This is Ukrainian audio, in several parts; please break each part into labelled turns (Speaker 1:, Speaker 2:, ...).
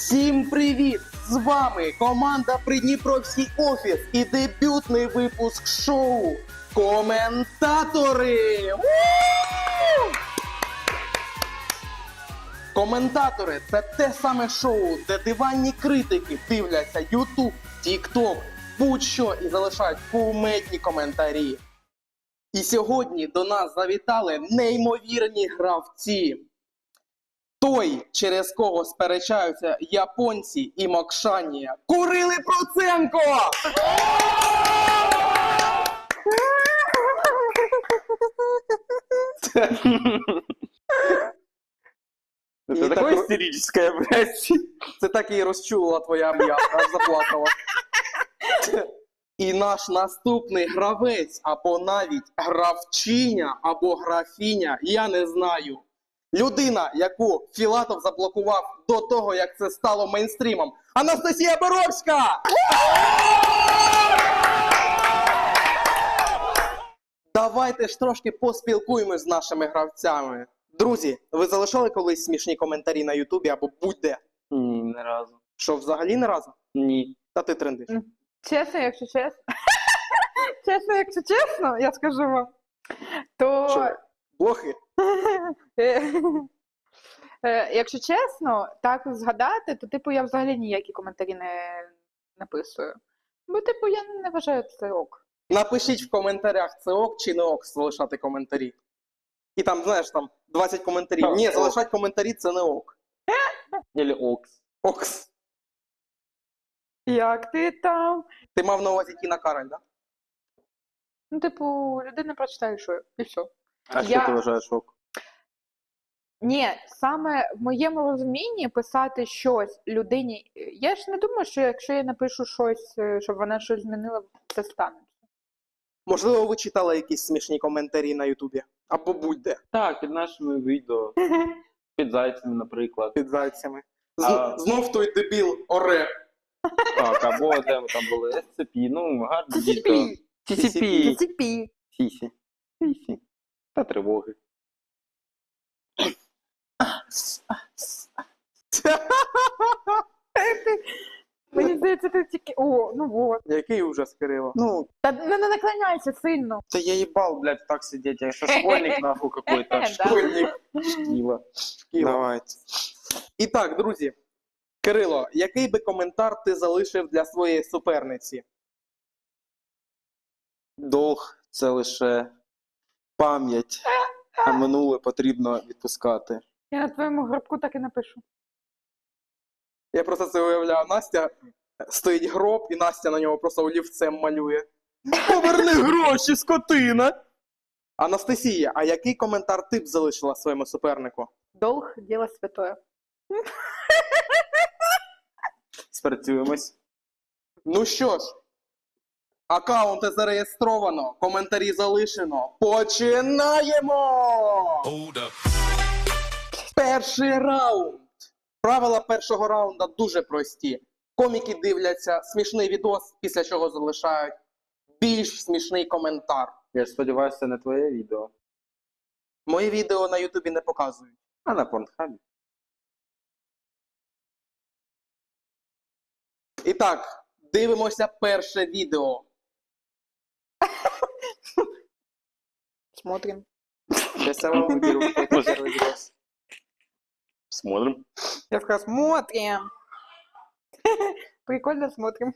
Speaker 1: Всім привіт! З вами команда Придніпровський офіс і дебютний випуск шоу Коментатори! Коментатори – це те саме шоу, де диванні критики дивляться YouTube, TikTok, будь-що і залишають кумедні коментарі. І сьогодні до нас завітали неймовірні гравці. Той, через кого сперечаються японці і Мокшанія. Курили Проценко!
Speaker 2: Это такое истерическое, блядь.
Speaker 1: Це так і розчулила твоя м'ясо, аж заплакала. І наш наступний гравець, або навіть гравчиня, або графіня, я не знаю. Людина, яку Філатов заблокував до того, як це стало мейнстрімом. Анастасія Боровська! Давайте ж трошки поспілкуємось з нашими гравцями. Друзі, ви залишали колись смішні коментарі на Ютубі або будь-де?
Speaker 2: Ні, не разу.
Speaker 1: Що, взагалі не разу?
Speaker 2: Ні.
Speaker 1: Та ти трендиш.
Speaker 3: Чесно, якщо чесно. Якщо чесно, я скажу вам. То.
Speaker 1: Що? Блохи?
Speaker 3: Якщо чесно, так згадати, то типу я взагалі ніякі коментарі не написую. Бо, типу, я не вважаю це ок.
Speaker 1: Напишіть в коментарях, це ок чи не ок залишати коментарі. І там, знаєш, там 20 коментарів.
Speaker 2: Так,
Speaker 1: Ні,
Speaker 2: ок.
Speaker 1: залишати коментарі це не ок.
Speaker 2: Или окс.
Speaker 1: Окс.
Speaker 3: Як ти там?
Speaker 1: Ти мав на увазі Тіна Кароль, так?
Speaker 3: Ну, типу, людина прочитає, що і все.
Speaker 2: А
Speaker 3: Я-
Speaker 2: що ти вважаєш ок?
Speaker 3: Ні, саме в моєму розумінні писати щось людині. Я ж не думаю, що якщо я напишу щось, щоб вона щось змінила, це станеться.
Speaker 1: Можливо, ви читали якісь смішні коментарі на Ютубі? Або будь-де
Speaker 2: Так, під нашими відео. Під зайцями, наприклад.
Speaker 1: під зайцями.
Speaker 2: А-
Speaker 1: Знов той дебіл оре.
Speaker 2: Так, або де ми там були? SCP, ну, гарні відео. TCP.
Speaker 3: Ціпі.
Speaker 2: Сісі. Сісі. Та тривоги.
Speaker 3: Мені здається, ти тільки. О, ну от.
Speaker 1: Який ужас, Кирило.
Speaker 2: Ну,
Speaker 3: Та не наклоняйся сильно.
Speaker 2: да я ебал, блядь, так сидеть. Я что, школьник, нахуй, какой-то.
Speaker 3: Да.
Speaker 1: Школьник.
Speaker 2: Шкіла.
Speaker 1: Шкіла.
Speaker 2: Давайте.
Speaker 1: І так, друзі. Кирило, який би коментар ти залишив для своєї суперниці?
Speaker 2: Долг – це лише пам'ять, а минуле потрібно відпускати.
Speaker 3: Я на твоєму гробку так і напишу.
Speaker 1: Я просто це уявляю. Настя стоїть гроб, і Настя на нього просто олівцем малює. Поверни гроші, скотина! Анастасія, а який коментар ти б залишила своєму супернику?
Speaker 3: Долг діло святое.
Speaker 2: Спрацюємось.
Speaker 1: Ну що ж, аккаунти зареєстровано, коментарі залишено. Починаємо! Перший раунд. Правила першого раунда дуже прості. Коміки дивляться смішний відос, після чого залишають більш смішний коментар.
Speaker 2: Я ж сподіваюся, це не твоє відео.
Speaker 1: Мої відео на Ютубі не показують.
Speaker 2: А на Порнхабі.
Speaker 1: І так, дивимося перше відео.
Speaker 3: Смотрим.
Speaker 1: Сейчас я вам выберу какой-то первый видос.
Speaker 2: Смотрим.
Speaker 3: Я сказала, смотрим. Прикольно смотрим.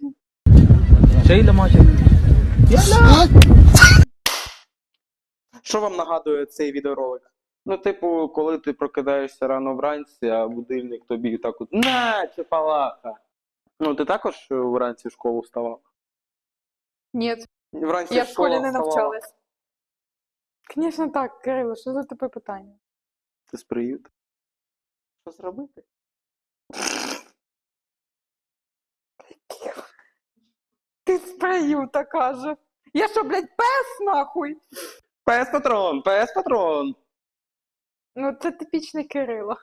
Speaker 1: Що вам нагадує цей відеоролик?
Speaker 2: Ну, типу, коли ти прокидаєшся рано вранці, а будильник тобі так от на, чепалаха. Ну, ти також вранці в школу вставав?
Speaker 3: Ні,
Speaker 1: Вранці
Speaker 3: я в школі не
Speaker 1: вставала.
Speaker 3: навчалась. Звісно так, Кирило, що за тупе питання?
Speaker 2: Ти з приюту? Що зробити?
Speaker 3: Ти з приюта, каже. Я що, блядь, пес нахуй?
Speaker 2: Пес-патрон, пес-патрон!
Speaker 3: Ну, це типічний Кирило.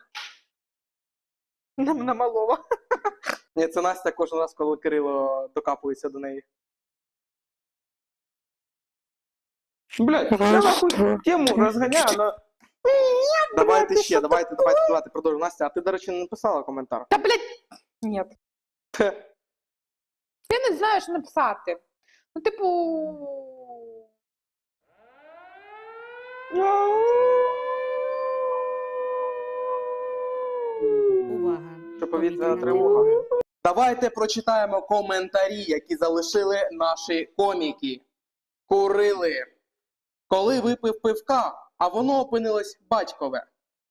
Speaker 3: На малого.
Speaker 1: Ні, це Настя кожен раз, коли Кирило докапується до неї.
Speaker 2: Блядь, я нахуй тему розганяю, но...
Speaker 1: Давайте ще, давайте продовжуємо. Настя, а ти, до речі, не написала коментар?
Speaker 3: Та, блядь, Ні. Я не знаю, що написати. Ну, типу.
Speaker 4: Увага!
Speaker 2: Що повітряна
Speaker 4: Повітряна
Speaker 2: тривога.
Speaker 1: Давайте прочитаємо коментарі, які залишили наші коміки. Курили. Коли випив пивка, а воно опинилось батькове.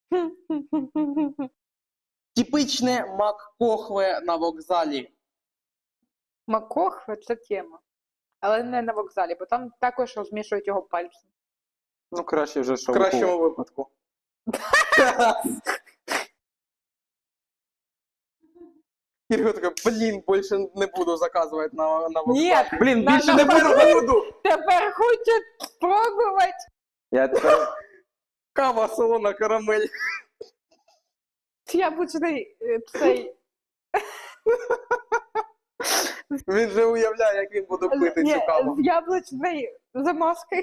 Speaker 1: Типичне маккохве на вокзалі.
Speaker 3: Макохве це тема. Але не на вокзалі, бо там також розмішують його пальцем.
Speaker 2: Ну, краще вже
Speaker 1: В
Speaker 2: що
Speaker 1: кращому випадку. Ірга така, блін, більше не буду заказувати на вокзалі.
Speaker 3: Ні,
Speaker 2: Блін,
Speaker 3: На-
Speaker 2: більше
Speaker 3: на-
Speaker 2: не буду.
Speaker 3: тепер хочуть спробувати.
Speaker 2: Я тепер...
Speaker 1: Кава, солона, карамель.
Speaker 3: Яблучний цей.
Speaker 1: Він же уявляє, як він буде пити
Speaker 3: Ні,
Speaker 1: цю каву.
Speaker 3: з яблучною замазкою.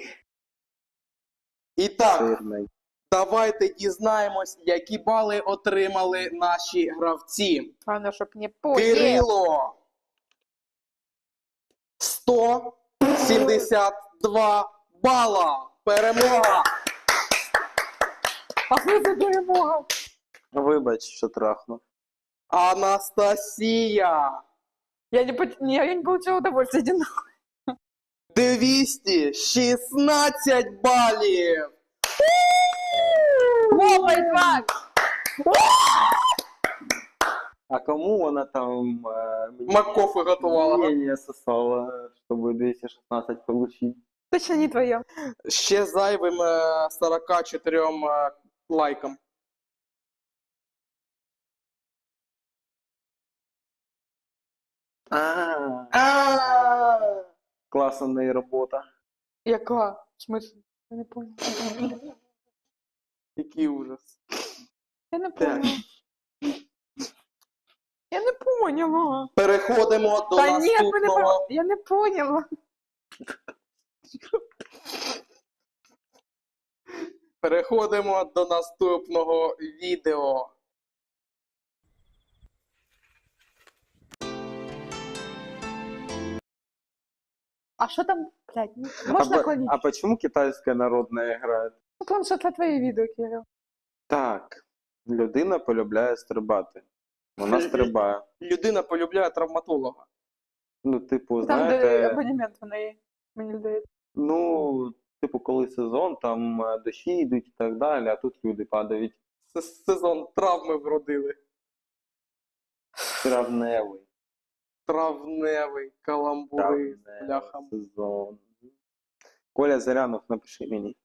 Speaker 1: І так,
Speaker 2: Сирний.
Speaker 1: давайте дізнаємось, які бали отримали наші гравці.
Speaker 3: Главное, щоб не поїв.
Speaker 1: Кирило 172 бала. Перемога.
Speaker 3: А ми за перемога.
Speaker 2: Вибач, що трахнув.
Speaker 1: Анастасія
Speaker 3: Я не получила удовольствия. Иди нахуй.
Speaker 1: 216 балів.
Speaker 3: Лопай, Иван!
Speaker 2: А кому вона там...
Speaker 1: Маккофе готувала.
Speaker 2: мнение сосала, чтобы 216 получить?
Speaker 3: Точно не твое.
Speaker 1: Ще зайвим 44 лайкам.
Speaker 2: Классная работа.
Speaker 3: Яка? В смысле? Я не понял.
Speaker 1: Який ужас.
Speaker 3: Я не
Speaker 1: Так.
Speaker 3: поняла. Я не поняла.
Speaker 1: Переходимо до
Speaker 3: Та ні,
Speaker 1: наступного.
Speaker 3: я не поняла.
Speaker 1: Переходимо до наступного відео.
Speaker 3: А що там, блядь, можна клонить?
Speaker 2: А почему китайская народная играет?
Speaker 3: Ну, потому что це твоє відео, Кирил.
Speaker 2: Так, людина полюбляє стрибати. Вона стрибає.
Speaker 1: Людина полюбляє травматолога.
Speaker 2: Ну, типу,
Speaker 3: Там, де
Speaker 2: знаєте,
Speaker 3: абонемент в неї, мені здається.
Speaker 2: ну, типу, коли сезон, там дощі йдуть і так далі, а тут люди падають.
Speaker 1: Сезон травми вродили.
Speaker 2: Травневий.
Speaker 1: Травневий, каламбури,
Speaker 2: Травневий
Speaker 1: бляха.
Speaker 2: сезон. Коля Зарянов, напиши мені.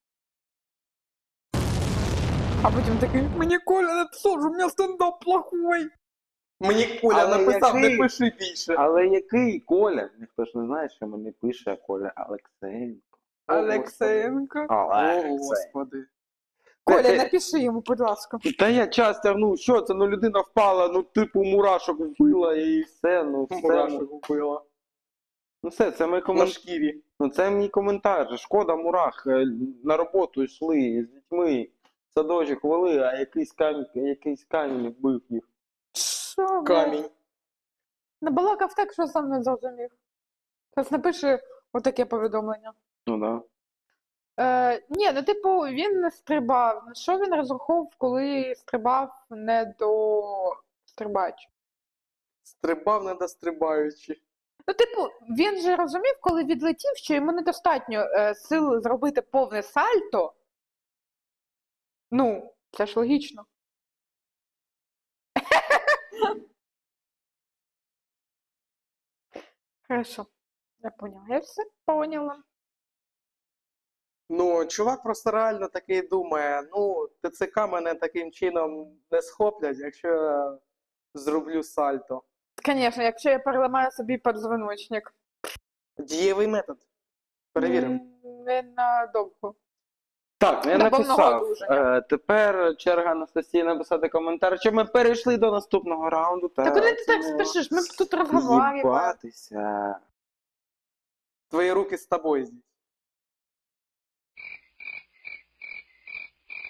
Speaker 3: А потім такий, мені Коля написав, що у мене стендап плохой.
Speaker 1: Мені Коля
Speaker 2: Але
Speaker 1: написав,
Speaker 2: який?
Speaker 1: не пиши більше.
Speaker 2: Але який Коля? Ніхто ж не знає, що мені пише Коля Алексеєнко.
Speaker 3: Олексеєнко.
Speaker 1: О, Господи.
Speaker 3: Коля, напиши йому, будь ласка.
Speaker 2: Та я час тягнув, що це? Ну людина впала, ну типу мурашок вбила і все, ну все.
Speaker 1: Мурашок вбила.
Speaker 2: Ну все, це мій
Speaker 1: На
Speaker 2: коментар.
Speaker 1: шкірі.
Speaker 2: Ну це мій коментар. Шкода мурах. На роботу йшли з дітьми, в садочок вели, а якийсь камінь вбив їх.
Speaker 3: Що, блядь?
Speaker 1: Камінь.
Speaker 3: Набалакав так, що сам не зрозумів. Зараз напиши отаке повідомлення.
Speaker 2: Ну да.
Speaker 3: Ні, ну типу, він не стрибав. На що він розраховував, коли стрибав не до стрибач?
Speaker 1: Стрибав недострибаючи.
Speaker 3: Ну, типу, він же розумів, коли відлетів, що йому недостатньо сил зробити повне сальто. Ну, це ж логічно. Хорошо, я поняла. Я все поняла.
Speaker 1: Ну, чувак просто реально такий думає, ну, ТЦК мене таким чином не схоплять, якщо я зроблю сальто.
Speaker 3: Звісно, якщо я переламаю собі подзвоночник.
Speaker 1: Дієвий метод. Перевіримо.
Speaker 3: Не надовго.
Speaker 2: Так, я
Speaker 3: На
Speaker 2: написав.
Speaker 3: повного одужання.
Speaker 2: Тепер черга Анастасії написати коментар, що ми перейшли до наступного раунду.
Speaker 3: Та куди ти так спішиш? Ми тут розговорюємо.
Speaker 2: Їбатися.
Speaker 1: Твої руки з тобою здесь.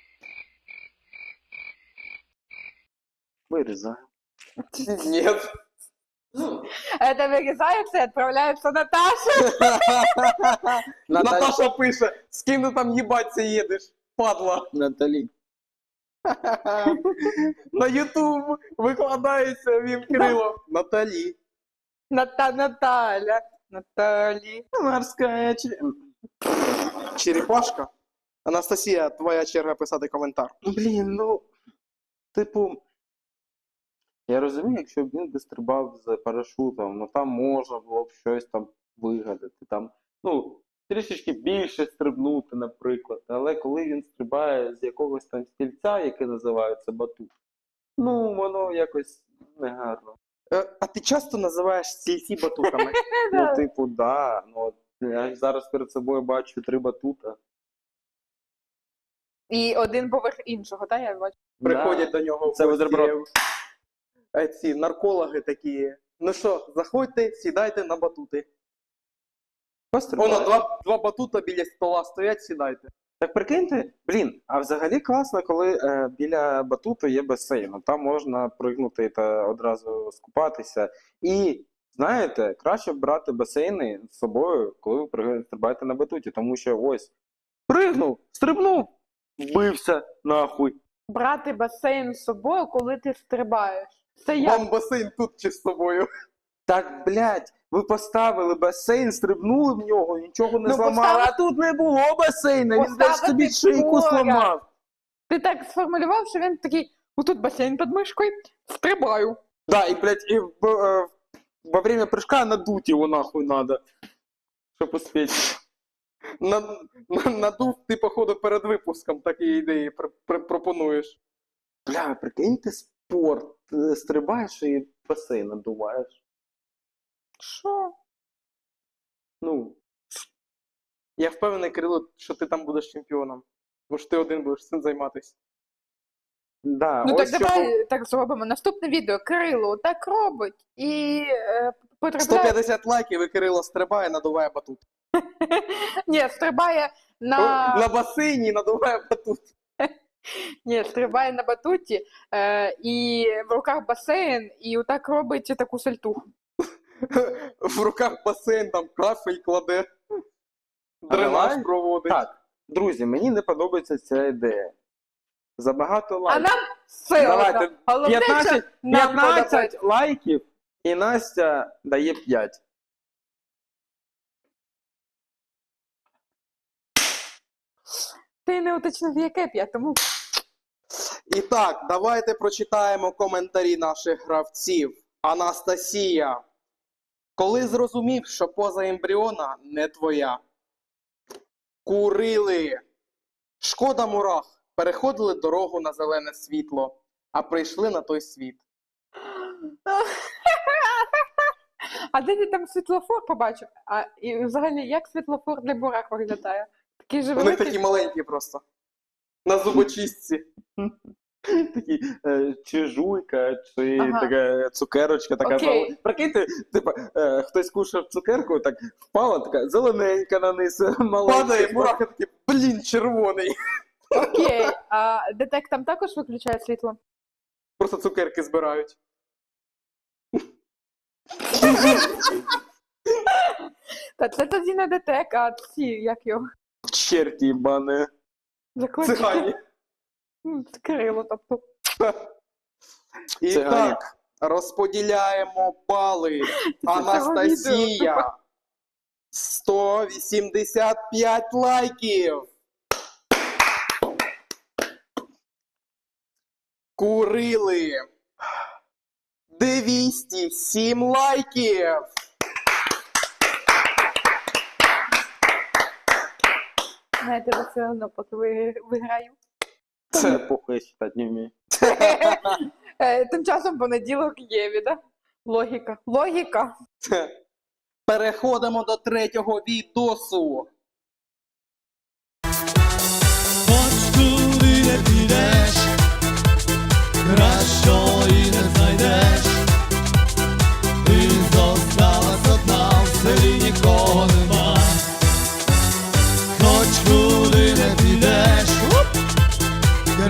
Speaker 2: Вирізаю.
Speaker 1: Нет.
Speaker 3: Это вырезается и отправляется Наташе.
Speaker 1: Наташа пише, з ким ти там їбаться їдеш, падла.
Speaker 2: Наталі.
Speaker 1: На Ютуб викладається він Кирило. Наталі.
Speaker 3: Наталя. Наталі.
Speaker 1: Морська черепашка. Анастасія, твоя черга писати коментар.
Speaker 2: Блін, ну, типу, я розумію, якщо б він би стрибав з парашутом, ну там можна було б щось там вигадати, там, ну, трішечки більше стрибнути, наприклад. Але коли він стрибає з якогось там стільця, яке називається батут, ну, воно якось негарно.
Speaker 1: А ти часто називаєш стільці батутами?
Speaker 2: Ну, типу, да, ну, от я зараз перед собою бачу 3 батута.
Speaker 3: І один поверх іншого, так, я бачу.
Speaker 1: Приходять до нього
Speaker 2: Це бутерброд.
Speaker 1: ці наркологи такі. Ну що, заходьте, сідайте на батути. Воно, два батута біля стола стоять, сідайте.
Speaker 2: Так прикиньте, блін, а взагалі класно, коли біля батуту є басейн. Там можна пригнути та одразу скупатися. І, знаєте, краще брати басейни з собою, коли ви стрибаєте на батуті. Тому що ось, пригнув, стрибнув, вбився, нахуй.
Speaker 3: Брати басейн з собою, коли ти стрибаєш. Це як?
Speaker 1: Вам басейн тут чи з собою?
Speaker 2: Так, блядь, ви поставили басейн, стрибнули в нього, нічого не
Speaker 3: Ну,
Speaker 2: зламали, а тут не було басейна, він десь собі
Speaker 3: Поставити
Speaker 2: шийку
Speaker 3: поряд.
Speaker 2: зламав.
Speaker 3: Ти так сформулював, що він такий, отут басейн під мишкою, стрибаю.
Speaker 2: Да, и, блядь, и во время прыжка надуть его нахуй надо, чтобы успеть.
Speaker 1: Надув ти, походу, перед випуском такі ідеї пропонуєш.
Speaker 2: Бля, прикинь, ти спорт, стрибаєш і басейн надуваєш.
Speaker 3: Що?
Speaker 2: Ну,
Speaker 1: Я впевнений, Кирило, що ти там будеш чемпіоном. Бо ж ти один будеш цим займатися.
Speaker 2: да,
Speaker 3: Ну так
Speaker 2: ось що...
Speaker 3: давай так зробимо. Наступне відео. Кирило так робить і потрапляє...
Speaker 1: 150 лайків і Кирило стрибає, надуває батут.
Speaker 3: Ні, стрибає на...
Speaker 1: На басейні і надуває батут.
Speaker 3: Ні, стрибає на батуті, і в руках басейн, і отак робить таку сальтуху.
Speaker 1: В руках басейн, там кафель кладе. Дренаж
Speaker 2: давай.
Speaker 1: проводить.
Speaker 2: Так, друзі, мені не подобається ця ідея. Забагато
Speaker 3: А
Speaker 2: лайків.
Speaker 3: нам все
Speaker 2: Давайте,
Speaker 3: одно. Головне, що
Speaker 2: 15,
Speaker 3: нам
Speaker 2: 15
Speaker 3: подобається.
Speaker 2: лайків, і Настя дає 5.
Speaker 3: Ти не уточнив, яке 5, тому...
Speaker 1: І так, давайте прочитаємо коментарі наших гравців. Анастасія. Коли зрозумів, що поза ембріона не твоя. Курили. Шкода мурах. Переходили дорогу на зелене світло, а прийшли на той світ.
Speaker 3: А де ти там світлофор побачив? А і взагалі, як світлофор для бурак виглядає? Такий же
Speaker 1: Вони
Speaker 3: великий?
Speaker 1: такі маленькі просто. На зубочистці.
Speaker 2: Такі чи жуйка, чи
Speaker 3: Ага.
Speaker 2: така цукерочка, така
Speaker 3: Окей.
Speaker 2: зелена. Прикиньте, типа, хтось кушав цукерку, так впала, така зелененька на низ, маленька.
Speaker 1: Падає, мурахи такі, блін, червоний.
Speaker 3: Окей, а детек там також виключає світло?
Speaker 1: Просто цукерки збирають.
Speaker 3: Та це тоді не детек, а ці, як його,
Speaker 2: Черті їбане.
Speaker 3: заклички.
Speaker 1: Цигані.
Speaker 3: Кирило, тобто.
Speaker 1: І
Speaker 2: Цигані.
Speaker 1: так, розподіляємо бали.
Speaker 3: цього
Speaker 1: Анастасія. 185 лайків. Курили. 207 лайків.
Speaker 3: Знаєте, ви все одно, поки виграю.
Speaker 2: Це похуй, я читати не вмію.
Speaker 3: Тим часом понеділок є, да? Логіка. Логіка.
Speaker 1: Переходимо до третього відосу.
Speaker 4: Хоч куди не підеш, кращої не знайдеш. Ти зосталась одна, в селі нікого нема. Хоч куди не підеш,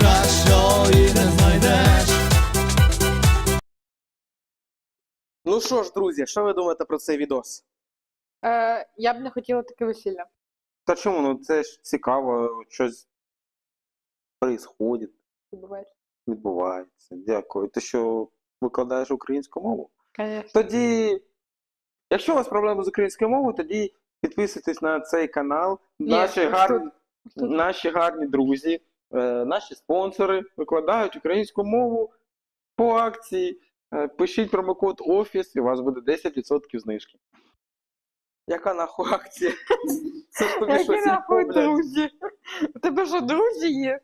Speaker 4: кращої не знайдеш.
Speaker 1: Ну що, що ж, друзі, що ви думаєте про цей відос?
Speaker 3: Я б не хотіла таке весілля.
Speaker 2: Та чому? Ну це ж цікаво, щось происходить,
Speaker 3: Відбувається.
Speaker 2: відбувається. Дякую. Ти що, викладаєш українську мову?
Speaker 3: Конечно.
Speaker 2: Тоді, якщо у вас проблеми з українською мовою, тоді підписуйтесь на цей канал. Наші
Speaker 3: ось
Speaker 2: гарні,
Speaker 3: тут.
Speaker 2: наші гарні друзі, наші спонсори викладають українську мову по акції. Пишіть промокод ОФІС і у вас буде 10% знижки.
Speaker 1: Яка нахуй акція? Це ж тобі
Speaker 3: Які
Speaker 1: щось
Speaker 3: нахуй
Speaker 1: інфо, блядь.
Speaker 3: друзі? У тебе що, друзі є?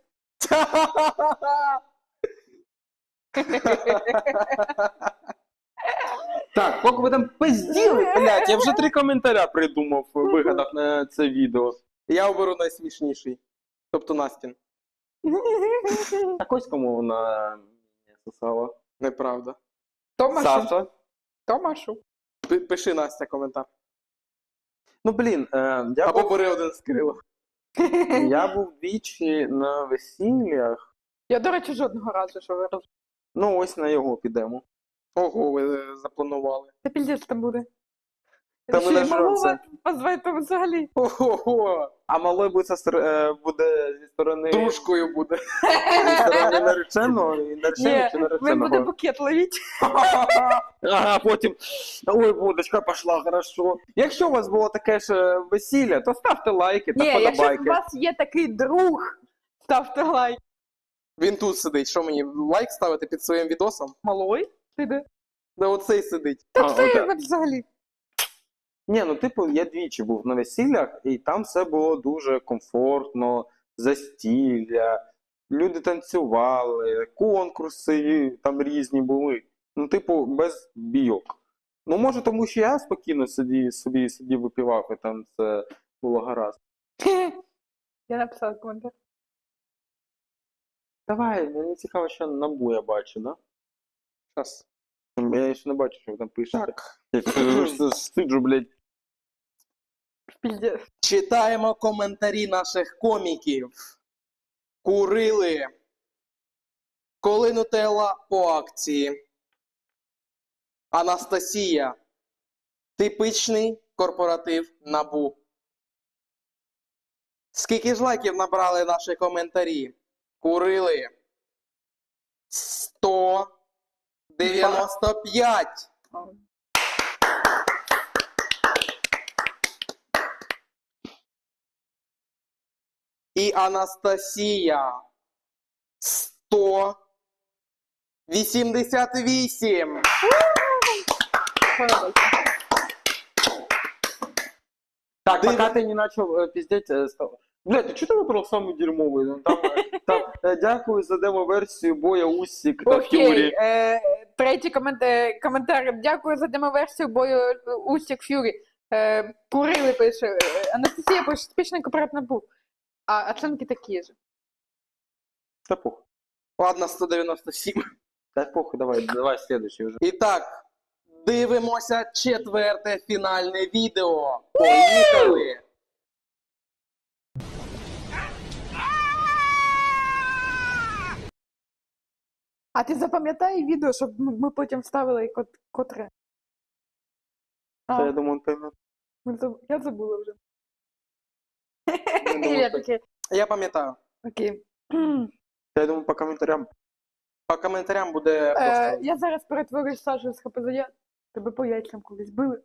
Speaker 2: Так, поки ви там пизділи, блядь, я вже 3 коментаря придумав, вигадав на це відео.
Speaker 1: Я оберу найсмішніший. Тобто Настін.
Speaker 2: Так ось кому вона не сосала.
Speaker 1: Неправда.
Speaker 3: Томашу.
Speaker 2: Саша.
Speaker 3: Томашу.
Speaker 1: Пиши, Настя, коментар.
Speaker 2: Ну, блін, я
Speaker 1: Або
Speaker 2: був,
Speaker 1: бери один з Кирила.
Speaker 2: я був двічі на весіллях.
Speaker 3: Я, до речі, жодного разу, що ви розумієте.
Speaker 2: Ну, ось на його підемо.
Speaker 1: Ого, ви запланували.
Speaker 3: Це піздець там буде.
Speaker 1: Та ми
Speaker 3: Ще й
Speaker 1: нажремся.
Speaker 3: малого позвати взагалі.
Speaker 1: Ого,
Speaker 2: А малий буде, буде зі сторони,
Speaker 1: дружкою буде.
Speaker 2: зі сторони нареченого і нареченого
Speaker 3: Ні,
Speaker 2: чи
Speaker 3: він буде
Speaker 2: нареченого.
Speaker 3: букет ловити.
Speaker 2: Ага, потім, ой, водочка пішла, хорошо. Якщо у вас було таке ж весілля, то ставте лайки та
Speaker 3: Ні, якщо у
Speaker 2: подобайки.
Speaker 3: вас є такий друг, ставте лайк.
Speaker 1: Він тут сидить. Що мені, лайк ставити під своїм відосом?
Speaker 3: Малой? Ти де?
Speaker 1: Да оцей сидить.
Speaker 3: Та
Speaker 2: А,
Speaker 3: це
Speaker 2: отак.
Speaker 3: взагалі.
Speaker 2: Ні, ну типу, я двічі був на весіллях, і там все було дуже комфортно, застілля, люди танцювали, конкурси там різні були. Ну, типу, без бійок. Ну, може, тому що я спокійно собі сидів випивав, і там це було гаразд.
Speaker 3: Я написала коментар.
Speaker 2: Давай, мені цікаво, що набу я бачу, да?
Speaker 1: Щас.
Speaker 2: Я ще не бачу, що ви там пишете.
Speaker 1: Так.
Speaker 2: Я сиджу, блядь.
Speaker 3: Піздець.
Speaker 1: Читаємо коментарі наших коміків. Курили. Коли Нутелла по акції. Анастасія. Типичний корпоратив НАБУ. Скільки ж лайків набрали наші коментарі? Курили. 195. І Анастасія 188.
Speaker 3: Подобається.
Speaker 2: Так,
Speaker 1: Дивно.
Speaker 2: пока ты не начал пиздеть, стал. Блядь, ты что ты выбрал самый дерьмовый? Ну, там, дякую за демо-версію Боя Усік та Ф'юрі.
Speaker 3: Окей, третій коментар. Дякую за демоверсію бою Усік Ф'юрі. Курили пише. Анастасія пише, типічний корпоративний був. А оцінки такі ж.
Speaker 2: Та похуй.
Speaker 1: Ладно, 197.
Speaker 2: Та похуй, давай следующий уже.
Speaker 1: І так, дивимося 4-те фінальне відео. Поїхали!
Speaker 3: А ти запам'ятай відео, щоб ми потім вставили котре.
Speaker 2: Та я думаю, поймет.
Speaker 3: Я забула вже.
Speaker 1: думаю,
Speaker 3: Я
Speaker 1: так.
Speaker 3: таке,
Speaker 1: Я пам'ятаю.
Speaker 3: окей.
Speaker 2: Я думаю, по коментарям.
Speaker 1: По коментарям буде просто.
Speaker 3: Я зараз перетворюсь Сашу з ХПЗ. Тебе по яйцям колись били.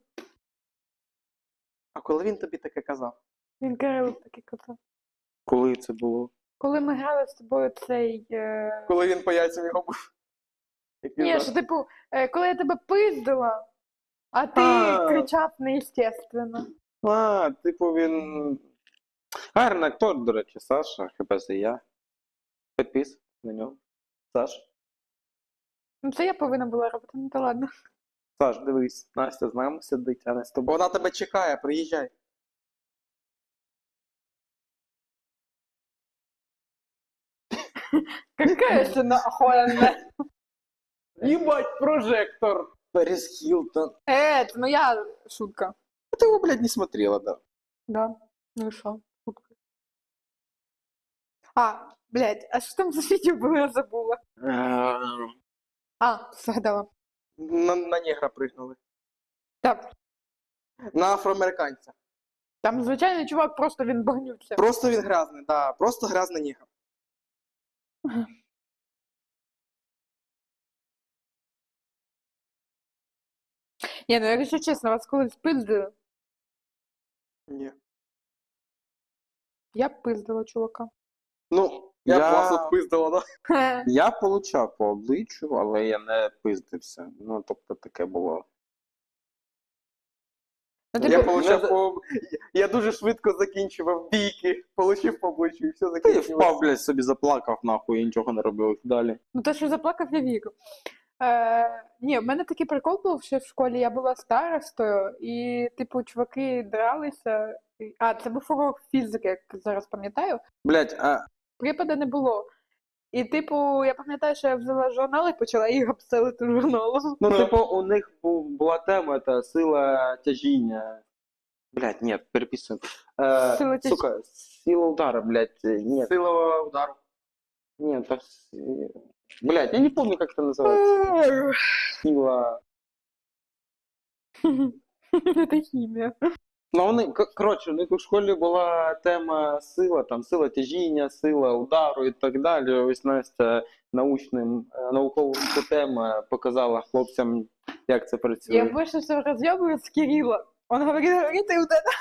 Speaker 1: А коли він тобі таке казав?
Speaker 3: Він Кирило таке казав.
Speaker 2: Коли це було?
Speaker 3: Коли ми грали з тобою цей.
Speaker 1: Коли він по яйцям його був. Як він
Speaker 3: Ні,
Speaker 1: зараз.
Speaker 3: що типу, коли я тебе пиздила, а ти
Speaker 2: А.
Speaker 3: кричав неестественно.
Speaker 2: А, типу він... Гарний актор, до речі, Саша, ХПЗ я. Підпис на нього. Саш.
Speaker 3: Ну це я повинна була робити, ну то ладно.
Speaker 2: Саш, дивись, Настя з нами сидить, а не з тобою.
Speaker 1: Вона тебе чекає, приїжджай.
Speaker 3: Какая ще охуєнна.
Speaker 1: Їбать, прожектор. Перес Хілтон.
Speaker 3: Це моя шутка.
Speaker 1: А ти його, блядь, не смотрела, да?
Speaker 3: Да. Ну і що? Шутка. Блядь, а що там за відео було, я забула.
Speaker 2: Ем,
Speaker 3: Згадала.
Speaker 1: На негра пригнули.
Speaker 3: Так,
Speaker 1: На афроамериканця.
Speaker 3: там звичайний чувак, просто він багнються.
Speaker 1: Просто він грязний, да, просто грязний нігер.
Speaker 3: Ні, ну якщо чесно, вас колись пиздили,
Speaker 1: Ні.
Speaker 3: я б пиздила чувака.
Speaker 1: Ну, я б вас отпиздила, да?
Speaker 2: Я получав по обличчю, але я не пиздився. Ну, тобто таке було.
Speaker 3: Ну,
Speaker 1: Я
Speaker 3: типу,
Speaker 1: получав по... Я дуже швидко закінчував бійки, получив по обличчю і все
Speaker 2: Ти
Speaker 1: закінчилося.
Speaker 2: впав, блядь, собі заплакав, нахуй, і нічого не робив далі.
Speaker 3: ну те, що заплакав, я вірю. Ні, в мене такий прикол був, що в школі я була старостою, і, типу, чуваки дралися. А, це був урок фізики, як зараз пам'ятаю.
Speaker 2: Блядь, а
Speaker 3: Припаду не було. І, типу, я пам'ятаю, що я взяла журнал і почала їх обстелити журналом.
Speaker 2: ну, типу, у них була тема, це сила тяжіння. Блядь, ні, переписуємо.
Speaker 3: Сила
Speaker 2: Сука, сила удара, блядь, нет.
Speaker 1: Сила удару.
Speaker 2: Нет, так... Блядь, я не помню, как это называется. Сила...
Speaker 3: Це хімія.
Speaker 2: Ну, вони, коротше, у них у школі була тема сила, там, сила тяжіння, сила удару і так далі. Ось Настя науковим путем показала хлопцям, як це працює.
Speaker 3: Я больше всего разъебываю с Кирилла. Он говорит, и вот это.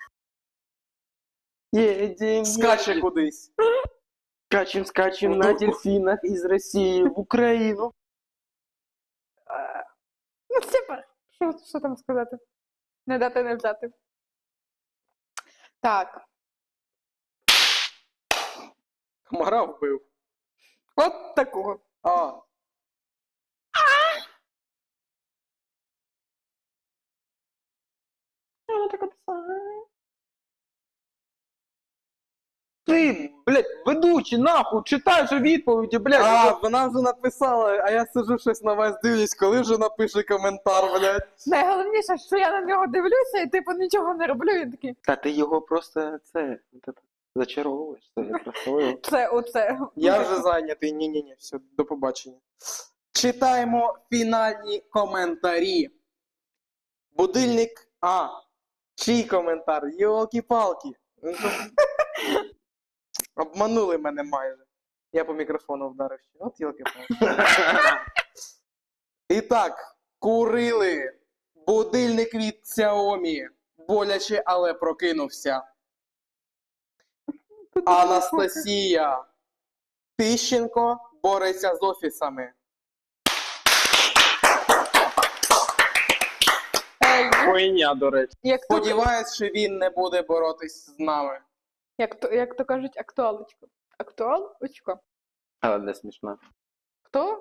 Speaker 2: Едем,
Speaker 1: Скаче кудись.
Speaker 2: скачем на дельфинах из России в Украину.
Speaker 3: Ну, типа, що там сказати? Не дати, не взяти. Так,
Speaker 1: Комара вбив.
Speaker 3: от такого.
Speaker 1: А,
Speaker 3: Вона така писала.
Speaker 2: Ти, блядь, ведучий, нахуй, читай же відповіді, блядь.
Speaker 1: вона вже написала, а я сиджу щось на вас дивлюсь, коли вже напише коментар, блядь.
Speaker 3: Найголовніше, що я на нього дивлюся і типу нічого не роблю, він такий,
Speaker 2: Та ти його просто зачаровуєш. Це просто...
Speaker 3: це оце.
Speaker 1: Я вже зайнятий, ні-ні-ні, все, до побачення. Читаємо фінальні коментарі. Будильник, чий коментар? Йолки-палки. Обманули мене майже. Я по мікрофону вдарив ще. От йолки-палки. І так, курили. Будильник від Xiaomi. Боляче, але прокинувся. Анастасія Тищенко бореться з офісами.
Speaker 2: Хуйня, до речі.
Speaker 1: Сподіваюсь, що він не буде боротись з нами.
Speaker 3: Як то кажуть, актуалочка. Актуалочка.
Speaker 2: Але не смішно.
Speaker 3: Хто?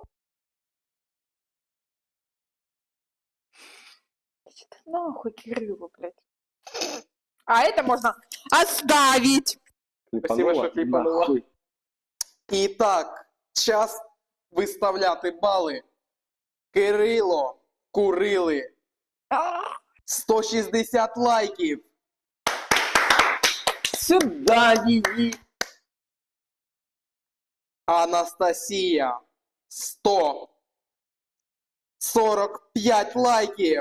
Speaker 3: Иди ты нахуй, Кириллу, блядь. А это можно оставить.
Speaker 1: Спасибо, що кліпанула.
Speaker 2: Нахуй.
Speaker 1: І так, час виставляти бали. Кирило, курили. 160 лайків.
Speaker 2: Сюда її.
Speaker 1: Анастасія 145 лайків.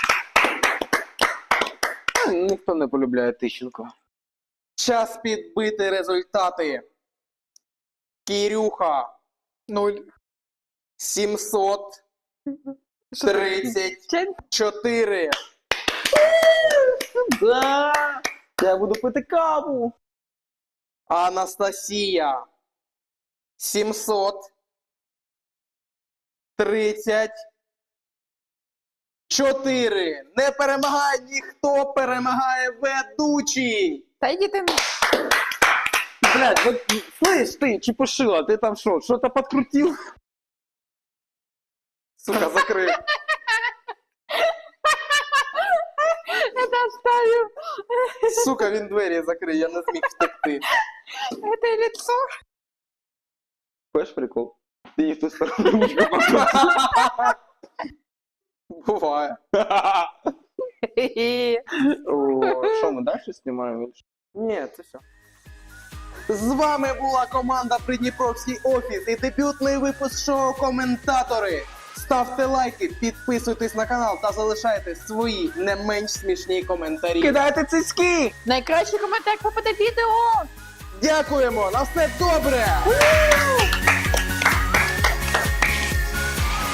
Speaker 2: Ніхто не полюбляє Тищенко.
Speaker 1: Час підбити результати. Кирюха
Speaker 3: 0.
Speaker 1: 734.
Speaker 2: Да. Я буду пити каву.
Speaker 1: Анастасія 734. Не перемагає ніхто, перемагає ведучий.
Speaker 3: Да иди ты.
Speaker 2: Блядь, вот, слышь ты, чепушила, ты там что-то подкрутил?
Speaker 1: Сука, закрив.
Speaker 3: Это оставим.
Speaker 1: Сука, він двері закрив, я не зміг втекти.
Speaker 3: Это лицо.
Speaker 2: Понимаешь прикол? Ты не в ту сторону ручку
Speaker 1: Буває.
Speaker 2: Что, мы дальше снимаем?
Speaker 1: Ні, це все. З вами була команда Придніпровський офіс і дебютний випуск шоу «Коментатори». Ставте лайки, підписуйтесь на канал та залишайте свої не менш смішні коментарі.
Speaker 2: Кидайте цицьки!
Speaker 3: Найкращий коментар попаде відео!
Speaker 1: Дякуємо! На все добре!